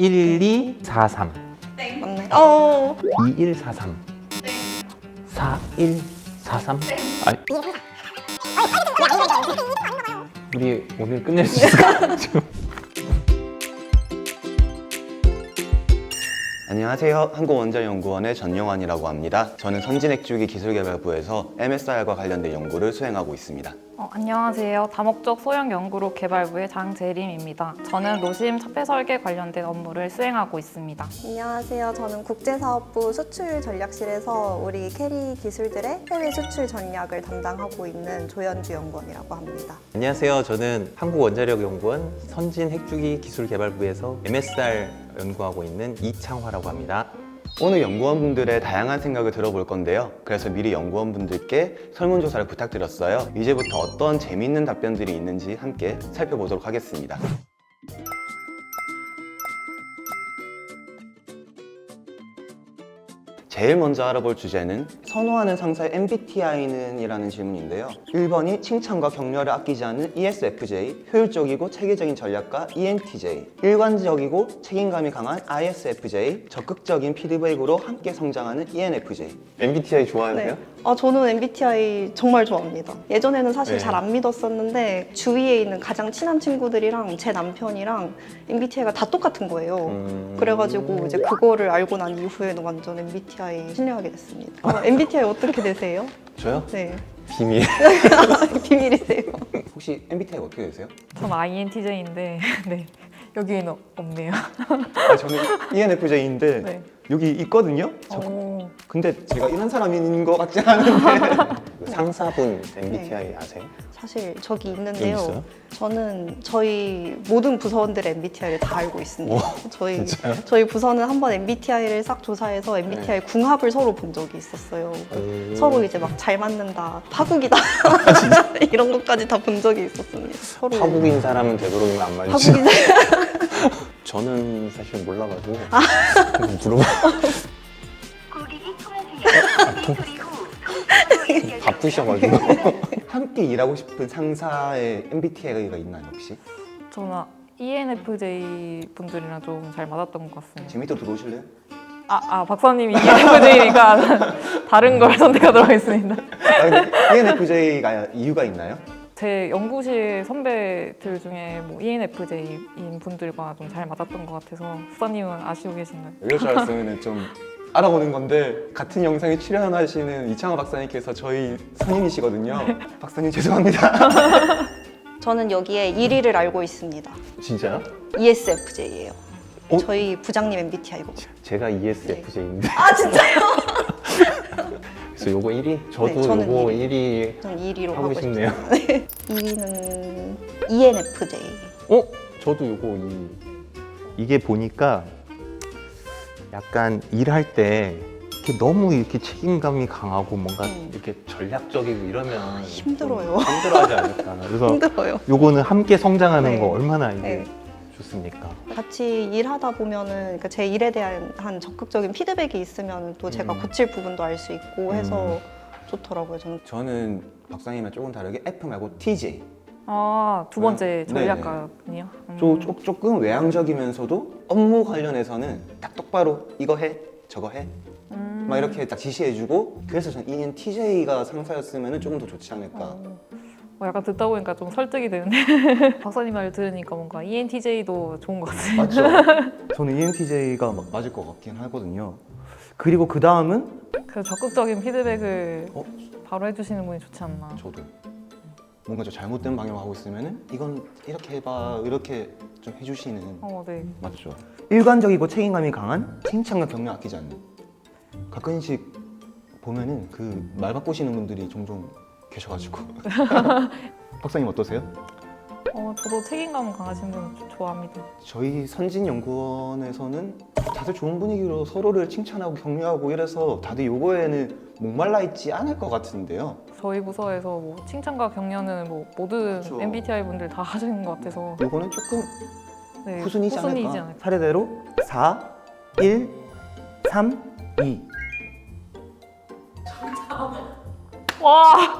1243 맞네. 2143 4143 아니 우리 오늘 끝낼 수 있을까? 지금 안녕하세요. 한국원자연구원의 전영환이라고 합니다. 저는 선진액주기 기술개발부에서 MSR과 관련된 연구를 수행하고 있습니다. 안녕하세요. 다목적 소형 연구로 개발부의 장재림입니다. 저는 노심 차폐 설계 관련된 업무를 수행하고 있습니다. 안녕하세요. 저는 국제사업부 수출전략실에서 우리 캐리 기술들의 해외 수출 전략을 담당하고 있는 조현주 연구원이라고 합니다. 안녕하세요. 저는 한국원자력연구원 선진핵주기 기술개발부에서 MSR 연구하고 있는 이창화라고 합니다. 오늘 연구원분들의 다양한 생각을 들어볼 건데요. 그래서 미리 연구원분들께 설문조사를 부탁드렸어요. 이제부터 어떤 재미있는 답변들이 있는지 함께 살펴보도록 하겠습니다. 제일 먼저 알아볼 주제는 선호하는 상사의 MBTI는? 이라는 질문인데요. 1번이 칭찬과 격려를 아끼지 않는 ESFJ, 효율적이고 체계적인 전략가 ENTJ, 일관적이고 책임감이 강한 ISFJ, 적극적인 피드백으로 함께 성장하는 ENFJ. MBTI 좋아하세요? 저는 MBTI 정말 좋아합니다. 예전에는 사실 네. 잘 안 믿었었는데 주위에 있는 가장 친한 친구들이랑 제 남편이랑 MBTI가 다 똑같은 거예요. 그래가지고 이제 그거를 알고 난 이후에는 완전 MBTI 신뢰하게 됐습니다. MBTI 어떻게 되세요? 저요? 네. 비밀. 비밀이세요. 혹시 MBTI가 어떻게 되세요? 전 INTJ인데 네, 여기에는 없네요. 저는 ENFJ인데 네. 여기 있거든요? 오, 근데 제가 이런 사람인 것 같지 않은데 상사분 MBTI 아세요? 사실 저기 여기 있는데요. 있어요? 저는 저희 모든 부서원들의 MBTI를 다 알고 있습니다. 저희 진짜요? 부서는 한번 MBTI를 싹 조사해서 MBTI 궁합을 서로 본 적이 있었어요. 오. 서로 이제 막 잘 맞는다, 파국이다 이런 것까지 다 본 적이 있었습니다. 서로 파국인 사람은 되도록이면 안 맞지. 파국인 저는 사실 몰라가지고 그냥 물어봐. 바쁘셔가지고. 함께 일하고 싶은 상사의 MBTI가 있나요 혹시? 저는 ENFJ 분들이랑 좀 잘 맞았던 것 같습니다. 지금 밑으로 들어오실래요? 박사님이 ENFJ니까 다른 걸 선택하도록 하겠습니다. 근데 ENFJ가 이유가 있나요? 제 연구실 선배들 중에 뭐 ENFJ인 분들과 좀 잘 맞았던 것 같아서 수사님은 아시고 계신가요? 이럴 줄 알았으면 좀 알아보는 건데 같은 영상에 출연하시는 이창호 박사님께서 저희 선임이시거든요. 박사님 죄송합니다. 저는 여기에 1위를 알고 있습니다. 진짜요? ESFJ예요. 어? 저희 부장님 MBTI거든요. 제가 ESFJ인데. 진짜요? 그래서 요거 1위? 저도 네, 저는 요거 1위. 1위 저는 2위로 하고 하고 싶네요. 싶어요. 2위는 ENFJ. 저도 요거 2위. 이게 보니까 약간 일할 때 이렇게 너무 이렇게 책임감이 강하고 뭔가 이렇게 전략적이고 이러면 힘들어요. 좀 힘들어하지 않을까. 그래서 힘들어요. 요거는 함께 성장하는 네. 거 얼마나 이게 네. 좋습니까? 같이 일하다 보면은 그러니까 제 일에 대한 한 적극적인 피드백이 있으면 또 제가 고칠 부분도 알 수 있고 해서 좋더라고요. 저는 박사님과 조금 다르게 F 말고 TJ. 두 번째 네. 전략가군요. 조금 외향적이면서도 업무 관련해서는 딱 똑바로 이거 해, 저거 해. 막 이렇게 딱 지시해주고 그래서 저는 ENTJ가 상사였으면 조금 더 좋지 않을까. 약간 듣다 보니까 좀 설득이 되는데 박사님 말 들으니까 뭔가 ENTJ도 좋은 것 같아요. 맞죠? 저는 ENTJ가 맞을 것 같긴 하거든요. 그리고 그 다음은 그 적극적인 피드백을 바로 해주시는 분이 좋지 않나. 저도 뭔가 좀 잘못된 방향으로 하고 있으면은 이건 이렇게 해봐 이렇게 좀 해주시는. 네. 맞죠. 일관적이고 책임감이 강한 칭찬과 격려 아끼지 않는. 가끔씩 보면은 그 말 바꾸시는 분들이 종종 계셔가지고. 박사님 어떠세요? 저도 책임감 강하신 분 좋아합니다. 저희 선진연구원에서는 다들 좋은 분위기로 서로를 칭찬하고 격려하고 이래서 다들 요거에는 목말라 있지 않을 것 같은데요. 저희 부서에서 뭐 칭찬과 격려는 뭐 모든 그쵸. MBTI 분들 다 하시는 것 같아서 요거는 조금 네, 후순위지 후순위이지 않을까. 않을까. 차례대로 4, 1, 3, 2. 와!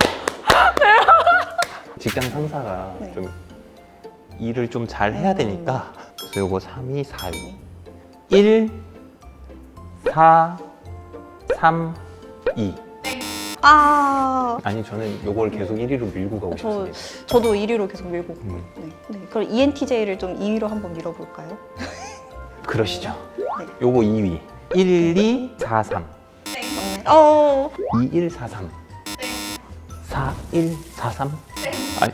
직장 상사가 네. 좀 일을 좀 잘 해야 되니까 그래서 요거 3위, 4위 1, 4, 3, 2. 아, 아니 저는 요걸 계속 1위로 밀고 가고 저, 싶습니다. 저도 1위로 계속 밀고. 음. 네. 네. 그럼 ENTJ를 좀 2위로 한번 밀어볼까요? 그러시죠. 네. 요거 2위. 1, 2, 4, 3. 어, 2, 1, 4, 3. 4, 1, 4, 3. 아니.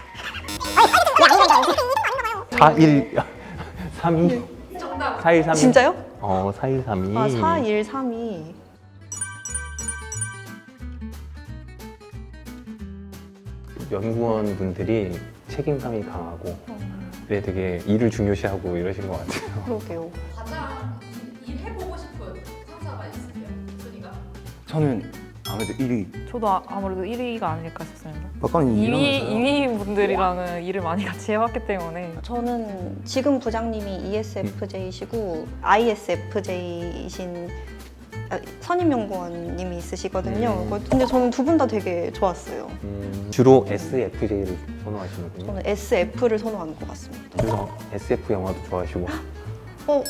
4, 1, 3, 2. 4, 1, 3, 2. 진짜요? 4, 1, 3, 2. 아, 4, 1, 3, 2. 연구원 분들이 책임감이 강하고 네, 되게 일을 중요시하고 이러신 것 같아요. 그러게요. 가장 일해보고 싶은 상사가 있으세요? 순위가? 저는 아무래도 1위. 저도 아무래도 1위가 아닐까 싶습니다. 박사님 2위 분들이랑은 일을 많이 같이 해왔기 때문에 저는 지금 부장님이 ESFJ시고 ISFJ이신 선임연구원님이 있으시거든요. 근데 저는 두 분 다 되게 좋았어요. 주로 SFJ를 선호하시는군요. 저는 SF를 선호하는 것 같습니다. 그래서 SF 영화도 좋아하시고. 어,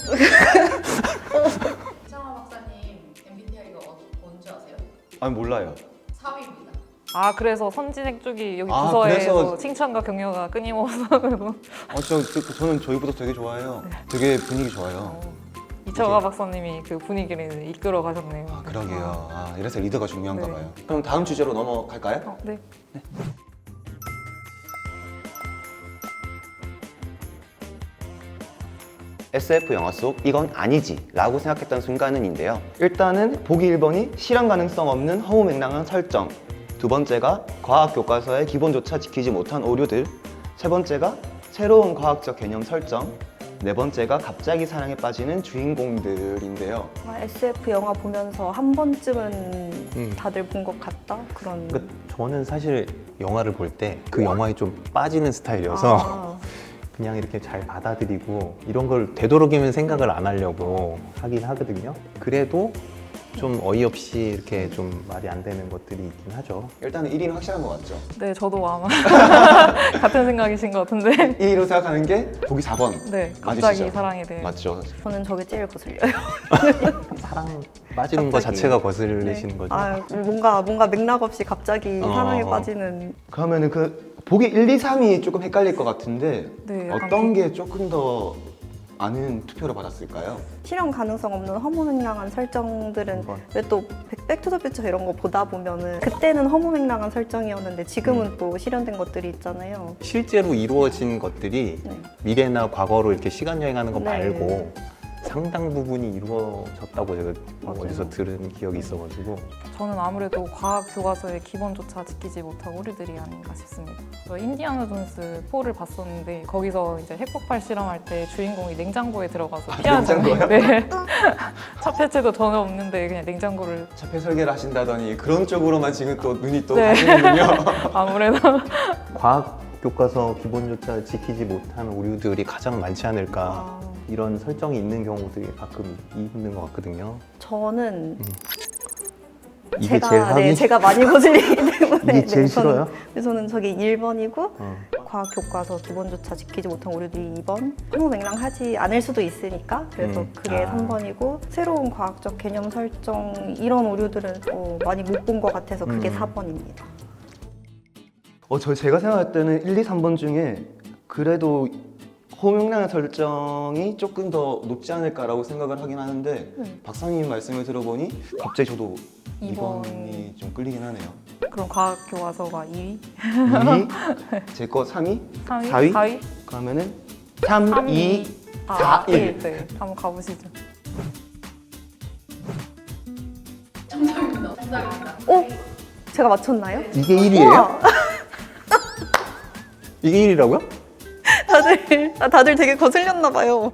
이창화 박사님 MBTI가 뭔지 아세요? 아니 몰라요. 4위입니다. 아 그래서 선진행 쪽이 여기 아, 부서에서 그래서- 칭찬과 격려가 끊임없어. 저는 저희보다 되게 좋아해요. 되게 분위기 좋아요. 이철가 박사님이 그 분위기를 이끌어 가셨네요. 아 그러게요. 아 이래서 리더가 중요한가 네. 봐요. 그럼 다음 주제로 넘어갈까요? 네. SF 영화 속 이건 아니지 라고 생각했던 순간은인데요. 일단은 보기 1번이 실현 가능성 없는 허무맹랑한 설정, 두 번째가 과학 교과서의 기본조차 지키지 못한 오류들, 세 번째가 새로운 과학적 개념 설정, 네 번째가 갑자기 사랑에 빠지는 주인공들인데요. SF 영화 보면서 한 번쯤은 다들 본 것 같다? 그런. 그러니까 저는 사실 영화를 볼 때 그 영화에 좀 빠지는 스타일이어서 아, 그냥 이렇게 잘 받아들이고 이런 걸 되도록이면 생각을 안 하려고 하긴 하거든요. 그래도 좀 어이없이 이렇게 좀 말이 안 되는 것들이 있긴 하죠. 일단은 1위는 확실한 것 같죠? 네, 저도 아마 같은 생각이신 것 같은데. 1위로 생각하는 게 보기 4번. 네, 갑자기 맞으시죠? 사랑에 대해. 맞죠? 저는 저게 제일 거슬려요. 사랑 빠지는 것 갑자기. 자체가 거슬리시는 거죠. 아, 뭔가 맥락 없이 갑자기 사랑에 어. 빠지는. 그러면은 그 보기 1, 2, 3이 조금 헷갈릴 것 같은데 네, 약간 어떤 게 조금 더 많은 투표를 받았을까요? 실현 가능성 없는 허무맹랑한 설정들은 한번. 왜 또 백투더퓨처 이런 거 보다 보면은 그때는 허무맹랑한 설정이었는데 지금은 또 실현된 것들이 있잖아요. 실제로 이루어진 것들이 네. 미래나 과거로 이렇게 시간 여행하는 거 네. 말고 상당 부분이 이루어졌다고 제가 맞아요. 어디서 들은 기억이 있어가지고 저는 아무래도 과학 교과서의 기본조차 지키지 못한 오류들이 아닌가 싶습니다. 저 인디아나 존스 4를 봤었는데 거기서 이제 핵폭발 실험할 때 주인공이 냉장고에 들어가서 피하는 냉장고요? 장면. 네. 차폐체도 전혀 없는데 그냥 냉장고를 차폐 설계를 하신다더니 그런 쪽으로만 지금 또 눈이 또 네. 가시는군요. 아무래도 과학 교과서 기본조차 지키지 못한 오류들이 가장 많지 않을까 아, 이런 설정이 있는 경우들이 가끔 있는 것 같거든요. 저는 이게 제가 제일 하기 네, 제가 많이 거슬리기 때문에 이게 제일 싫어요? 저는 저게 1번이고 어. 과학 교과서 기본조차 지키지 못한 오류들이 2번 허무맹랑하지 않을 수도 있으니까 그래서 그게 아. 3번이고 새로운 과학적 개념 설정 이런 오류들은 많이 못 본 것 같아서 그게 4번입니다. 제가 생각할 때는 1, 2, 3번 중에 그래도 허무맹랑한 설정이 조금 더 높지 않을까라고 생각을 하긴 하는데 박사님 말씀을 들어보니 갑자기 저도 2번. 2번이 좀 끌리긴 하네요. 그럼 과학 교과서가 2위, 2위, 제 거 3위, 3위, 4위? 4위, 그러면은 3, 2, 4, 1. 네, 한번 가보시죠. 정답입니다. 정답입니다. 제가 맞췄나요? 이게 1위예요? 우와! 이게 1위라고요? 다들 되게 거슬렸나 봐요.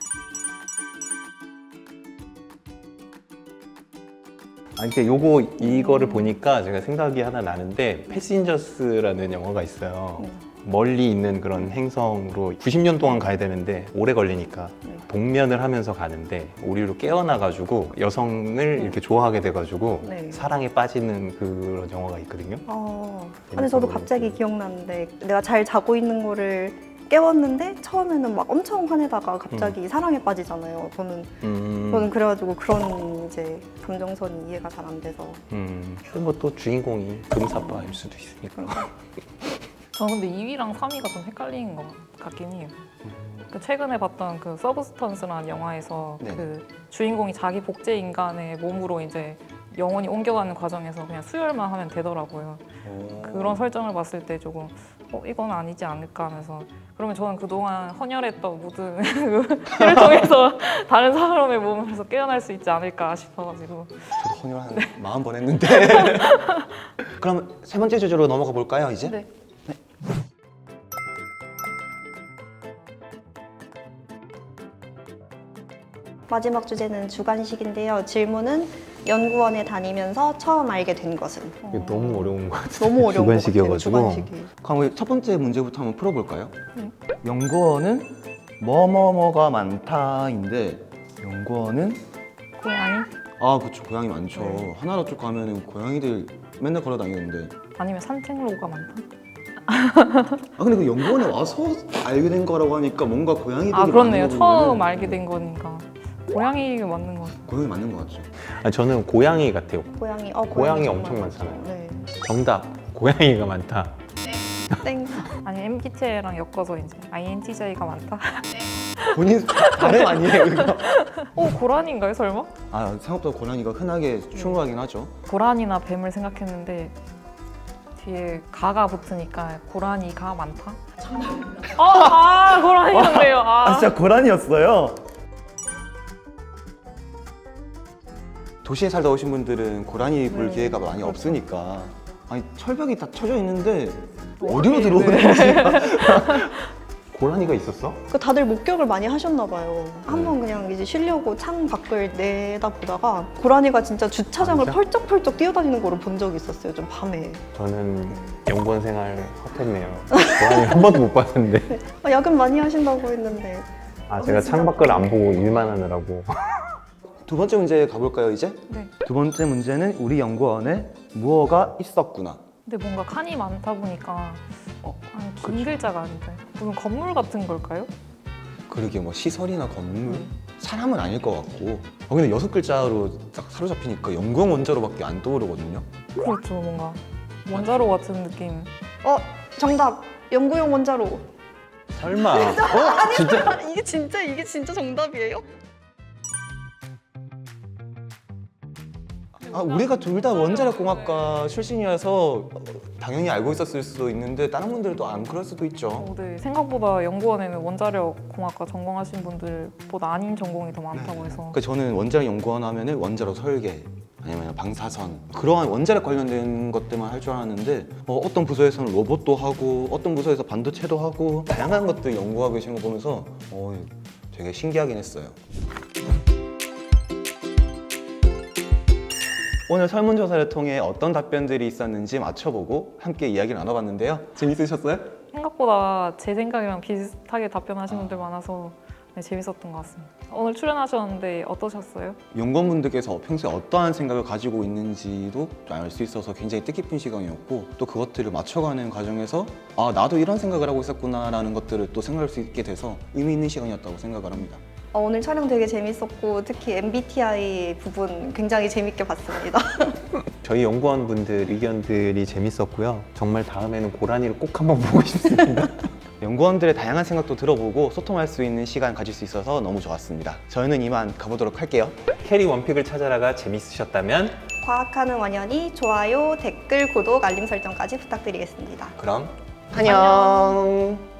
아니, 이거를 보니까 제가 생각이 하나 나는데 패신저스라는 영화가 있어요. 멀리 있는 그런 행성으로 90년 동안 가야 되는데 오래 걸리니까 동면을 하면서 가는데 오류로 깨어나가지고 여성을 이렇게 좋아하게 돼가지고 네. 사랑에 빠지는 그런 영화가 있거든요. 근데 재밌어 저도 보여요. 갑자기 기억나는데 내가 잘 자고 있는 거를 깨웠는데 처음에는 막 엄청 화내다가 갑자기 사랑에 빠지잖아요. 저는 그래가지고 그런 이제 감정선이 이해가 잘 안 돼서. 뭐또 주인공이 금사빠일 수도 있으니까. 저는 근데 2위랑 3위가 좀 헷갈리는 것 같긴 해요. 그 최근에 봤던 그 서브스턴스라는 영화에서 네. 그 주인공이 자기 복제 인간의 몸으로 이제 영혼이 옮겨가는 과정에서 그냥 수혈만 하면 되더라고요. 그런 설정을 봤을 때 조금 이건 아니지 않을까 하면서 그러면 저는 그동안 헌혈했던 모든 피를 통해서 다른 사람의 몸에서 깨어날 수 있지 않을까 싶어가지고 저도 헌혈 한 40번 했는데. 그럼 세 번째 주제로 넘어가 볼까요, 이제? 네. 마지막 주제는 주관식인데요. 질문은 연구원에 다니면서 처음 알게 된 것은. 이게 너무 어려운 것 같아요. 너무 어려운 것 같아요. 주관식이어가지고. 주관식이. 그럼 우리 첫 번째 문제부터 한번 풀어볼까요? 네. 연구원은 뭐뭐뭐가 많다인데 연구원은 고양이? 아 그쵸 고양이 많죠. 하나로 쭉 가면은 고양이들 맨날 걸어 다니는데 아니면 산책로가 많다? 아 근데 그 연구원에 와서 알게 된 거라고 하니까 뭔가 고양이들이 아 그렇네요. 많은 거 처음 보면은 알게 된 거니까 고양이가 맞는 것 같아요. 고양이 맞는 거 같죠. 저는 고양이 같아요. 고양이. 고양이 정말 엄청 많죠. 많잖아요. 네. 정답. 고양이가 많다. 땡. 아니 MBTI랑 엮어서 이제 INTJ가 많다? 본인 발음 아니에요 이거? 고라니인가요 설마? 아 생각보다 고양이가 흔하게 충고하긴 하죠. 고라니나 뱀을 생각했는데 뒤에 가가 붙으니까 고라니가 많다? 고라니였네요. 고라니였어요? 도시에 살다 오신 분들은 고라니 볼 네, 기회가 많이 그렇죠. 없으니까 아니 철벽이 다 쳐져 있는데 어디로 네. 들어오는지 고라니가 있었어? 그 다들 목격을 많이 하셨나 봐요. 한번 그냥 이제 쉬려고 창 밖을 내다 보다가 고라니가 진짜 주차장을 진짜? 펄쩍펄쩍 뛰어다니는 거를 본 적이 있었어요. 좀 밤에. 저는 연구원 생활 헛했네요. 고라니 한 번도 못 봤는데. 야근 많이 하신다고 했는데. 제가 창밖을 안 보고 일만 하느라고. 두 번째 문제 가볼까요 이제? 네. 두 번째 문제는 우리 연구원에 무엇가 있었구나. 근데 뭔가 칸이 많다 보니까 아니, 긴 글자가 아닐까요? 무슨 건물 같은 걸까요? 그러게 뭐 시설이나 건물 사람은 아닐 것 같고 근데 6글자로 딱 사로잡히니까 연구원 원자로밖에 안 떠오르거든요. 그렇죠 뭔가 원자로 같은 느낌. 정답. 연구용 원자로. 설마. 진짜? 이게 진짜 정답이에요? 우리가 둘 다 원자력공학과 출신이어서 당연히 알고 있었을 수도 있는데 다른 분들도 안 그럴 수도 있죠. 네, 생각보다 연구원에는 원자력 공학과 전공하신 분들보다 아닌 전공이 더 많다고 해서 그러니까 저는 원자력 연구원 하면은 원자로 설계 아니면 방사선 그러한 원자력 관련된 것들만 할 줄 알았는데 어떤 부서에서는 로봇도 하고 어떤 부서에서 반도체도 하고 다양한 것들 연구하고 계시는 거 보면서 되게 신기하긴 했어요. 오늘 설문조사를 통해 어떤 답변들이 있었는지 맞춰보고 함께 이야기를 나눠봤는데요. 재밌으셨어요? 생각보다 제 생각이랑 비슷하게 답변하신 분들 많아서 네, 재밌었던 것 같습니다. 오늘 출연하셨는데 어떠셨어요? 연구원분들께서 평소에 어떠한 생각을 가지고 있는지도 알 수 있어서 굉장히 뜻깊은 시간이었고 또 그것들을 맞춰가는 과정에서 나도 이런 생각을 하고 있었구나라는 것들을 또 생각할 수 있게 돼서 의미 있는 시간이었다고 생각을 합니다. 오늘 촬영 되게 재밌었고 특히 MBTI 부분 굉장히 재밌게 봤습니다. 저희 연구원분들 의견들이 재밌었고요. 정말 다음에는 고라니를 꼭 한번 보고 싶습니다. 연구원들의 다양한 생각도 들어보고 소통할 수 있는 시간 가질 수 있어서 너무 좋았습니다. 저희는 이만 가보도록 할게요. 캐리 원픽을 찾아라가 재밌으셨다면 과학하는 원현이 좋아요, 댓글, 구독, 알림 설정까지 부탁드리겠습니다. 그럼 안녕.